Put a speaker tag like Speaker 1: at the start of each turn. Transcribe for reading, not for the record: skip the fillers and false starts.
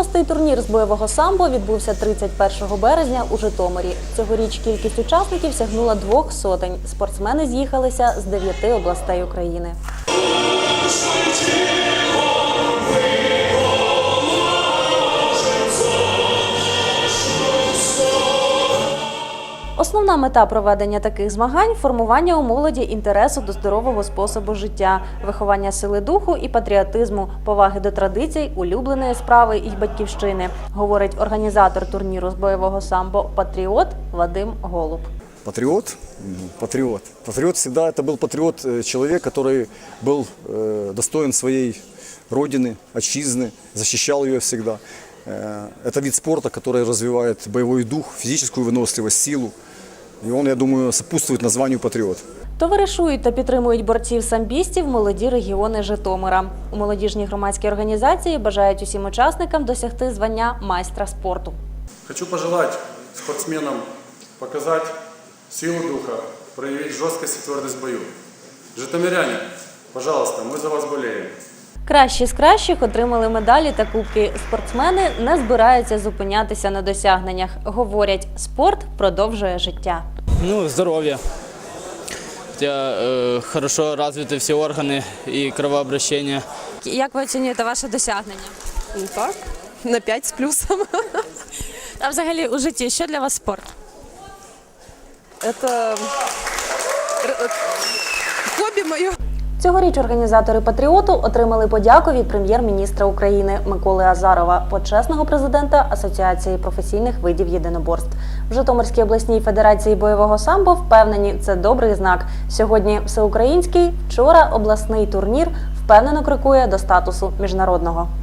Speaker 1: 6-й турнір з бойового самбо відбувся 31 березня у Житомирі. Цьогоріч кількість учасників сягнула 200. Спортсмени з'їхалися з 9 областей України. Основна мета проведення таких змагань – формування у молоді інтересу до здорового способу життя, виховання сили духу і патріотизму, поваги до традицій, улюбленої справи і батьківщини, говорить організатор турніру з бойового самбо «Патріот» Вадим Голуб.
Speaker 2: Патриот? Патриот. Патриот всегда это был патриот, человек, который был достоин своей родины, отчизны, защищал ее всегда. Это вид спорта, который развивает боевой дух, физическую выносливость, силу. И он, я думаю, сопутствует названию «Патриот».
Speaker 1: Товаришують та підтримують борців-самбістів молоді регіони Житомира. У молодіжній громадській організації бажають усім учасникам досягти звання майстра спорту.
Speaker 3: Хочу пожелать спортсменам показать силу духа, проявить жесткость и твердость в бою. Житомиряне, пожалуйста, мы за вас болеем.
Speaker 1: Кращі з кращих отримали медалі та кубки. Спортсмени не збираються зупинятися на досягненнях. Говорять, спорт продовжує життя.
Speaker 4: Здоровье. Хорошо развиты все органы и кровообращение.
Speaker 1: Як ви оцінюєте ваше досягнення?
Speaker 5: Так, на 5 з плюсом.
Speaker 1: А взагалі у житті що для вас спорт?
Speaker 5: Це хобі моє.
Speaker 1: Цьогоріч організатори «Патріоту» отримали подяку від прем'єр-міністра України Миколи Азарова, почесного президента Асоціації професійних видів єдиноборств. В Житомирській обласній федерації бойового самбо впевнені, це добрий знак. Сьогодні всеукраїнський, вчора обласний турнір впевнено крокує до статусу міжнародного.